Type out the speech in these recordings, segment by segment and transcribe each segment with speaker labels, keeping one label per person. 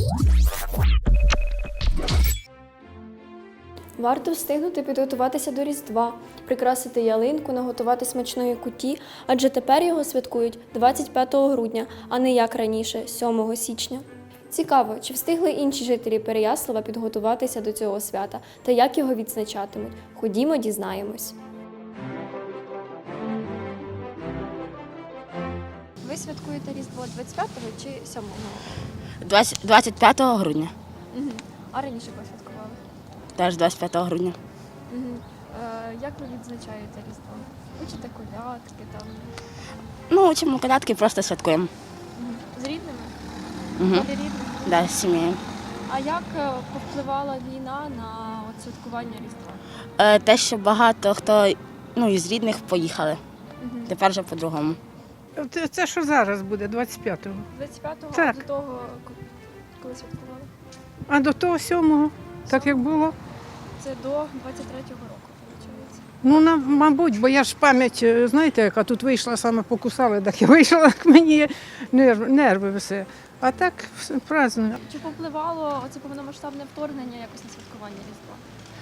Speaker 1: Варто встигнути підготуватися до Різдва, прикрасити ялинку, наготувати смачної куті, адже тепер його святкують 25 грудня, а не як раніше, 7 січня. Цікаво, чи встигли інші жителі Переяслава підготуватися до цього свята та як його відзначатимуть. Ходімо, дізнаємось. Ви святкуєте Різдво 25-го чи 7-го?
Speaker 2: 25 грудня.
Speaker 1: Угу. А раніше коли святкували?
Speaker 2: Теж 25 грудня.
Speaker 1: Угу. Як ви відзначаєте Різдво? Учите колядки там?
Speaker 2: Ну, учимо колядки, просто святкуємо.
Speaker 1: Угу. З рідними?
Speaker 2: Угу.
Speaker 1: Колі рідних?
Speaker 2: Да, з сім'єю.
Speaker 1: А як повпливала війна на святкування Різдва?
Speaker 2: Те, що багато хто із рідних поїхали.
Speaker 1: Угу.
Speaker 2: Тепер вже по-другому.
Speaker 3: Це що зараз буде, 25-го.
Speaker 1: 25-го,
Speaker 3: Так.
Speaker 1: а до того, коли святкували?
Speaker 3: А до того 7-го, так як було.
Speaker 1: Це до 23-го року, виходить.
Speaker 3: Ну, мабуть, бо я ж пам'ять, знаєте, яка тут вийшла, саме покусали, так я вийшла, як мені нерви все. А так праздную.
Speaker 1: Чи повпливало оце повномасштабне вторгнення якось на святкування Різдва?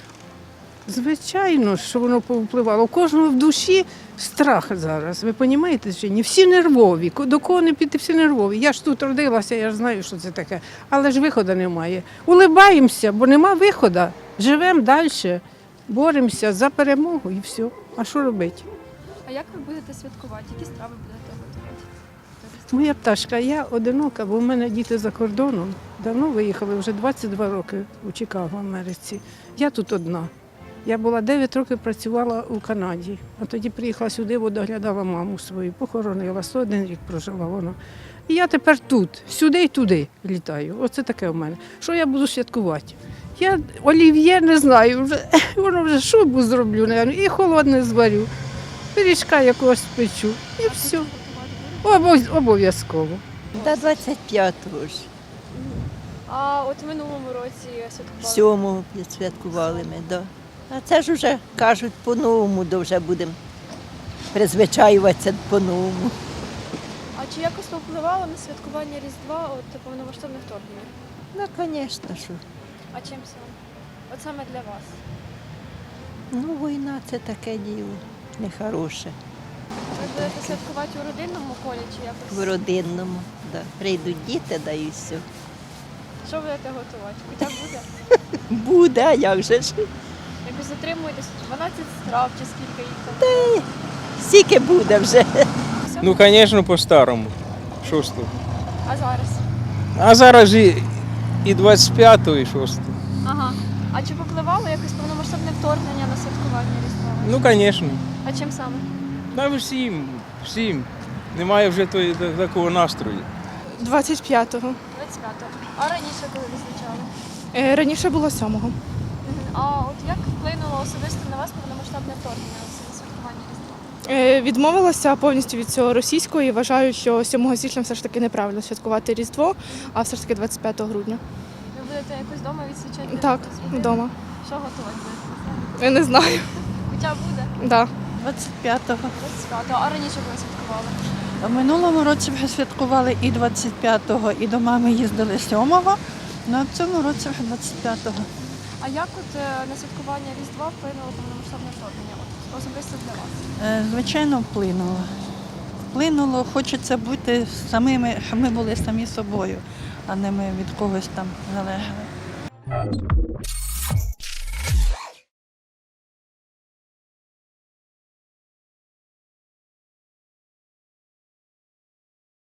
Speaker 3: Звичайно, що воно повпливало. У кожного в душі страх зараз, ви розумієте чи ні? Всі нервові, до кого не піти, всі нервові. Я ж тут родилася, я ж знаю, що це таке. Але ж виходу немає. Улибаємося, бо нема виходу. Живемо далі, боремося за перемогу і все. А що робити?
Speaker 1: А як ви будете святкувати? Які страви будете готувати?
Speaker 3: Моя пташка, я одинока, бо в мене діти за кордоном. Давно виїхали, вже 22 роки у Чикаго, в Америці. Я тут одна. Я була 9 років працювала у Канаді, а тоді приїхала сюди, бо доглядала маму свою, похоронила, 101 рік прожила вона. І я тепер тут, сюди і туди літаю. Оце таке в мене. Що я буду святкувати? Я олів'є не знаю, воно вже шубу зроблю, і холодне зварю, пиріжка якогось спечу, і все. Обов'язково.
Speaker 4: До 25-го ж.
Speaker 1: А от в минулому році святкували?
Speaker 4: 7-го святкували ми, да. А це ж вже кажуть по-новому, то вже будемо призвичаюватися по-новому.
Speaker 1: А чи якось повпливало на святкування Різдва от повномасштабне вторгнення?
Speaker 4: Ну, звісно, що.
Speaker 1: А чим саме? От саме для вас?
Speaker 4: Ну, війна це таке діло, нехороше.
Speaker 1: Ви будете святкувати у родинному колі чи якось?
Speaker 4: В родинному, да. Прийдуть діти, да і все.
Speaker 1: Що будете готувати? Кутя буде?
Speaker 4: Буде, а як же ж?
Speaker 1: Якось затримуєтесь 12 страв чи скільки їх там?
Speaker 4: Скільки буде вже.
Speaker 5: Ну, звісно, по-старому. Що ж тут?
Speaker 1: А зараз?
Speaker 5: А зараз і 25-го, і 6-го.
Speaker 1: Ага. А чи повпливало якось повномасштабне вторгнення на святкування Різдва?
Speaker 5: Ну, звісно.
Speaker 1: А чим саме?
Speaker 5: Та всім. Немає вже такого настрою.
Speaker 6: 25-го.
Speaker 1: 25-го. А раніше коли визначали?
Speaker 6: Раніше було 7-го.
Speaker 1: А от як вплинуло особисто на вас повномасштабне вторгнення на святкування Різдва?
Speaker 6: Відмовилася повністю від цього російського і вважаю, що 7 січня все ж таки неправильно святкувати Різдво, а все ж таки 25 грудня.
Speaker 1: Ви будете якось вдома відсвячати?
Speaker 6: Так,
Speaker 1: з родиною?
Speaker 6: вдома.
Speaker 1: Що готувати будете?
Speaker 6: Я не знаю.
Speaker 1: Кутя буде?
Speaker 6: Да.
Speaker 7: 25-го.
Speaker 1: 25-го. А раніше коли святкували?
Speaker 7: В минулому році вже святкували і 25-го, і до мами їздили 7-го, а в цьому році вже 25-го.
Speaker 1: А як от на святкування Різдва вплинуло повномасштабне вторгнення? От, особисто для вас?
Speaker 7: Звичайно, вплинуло. Вплинуло, хочеться бути самими, щоб ми були самі собою, а не ми від когось там залежали.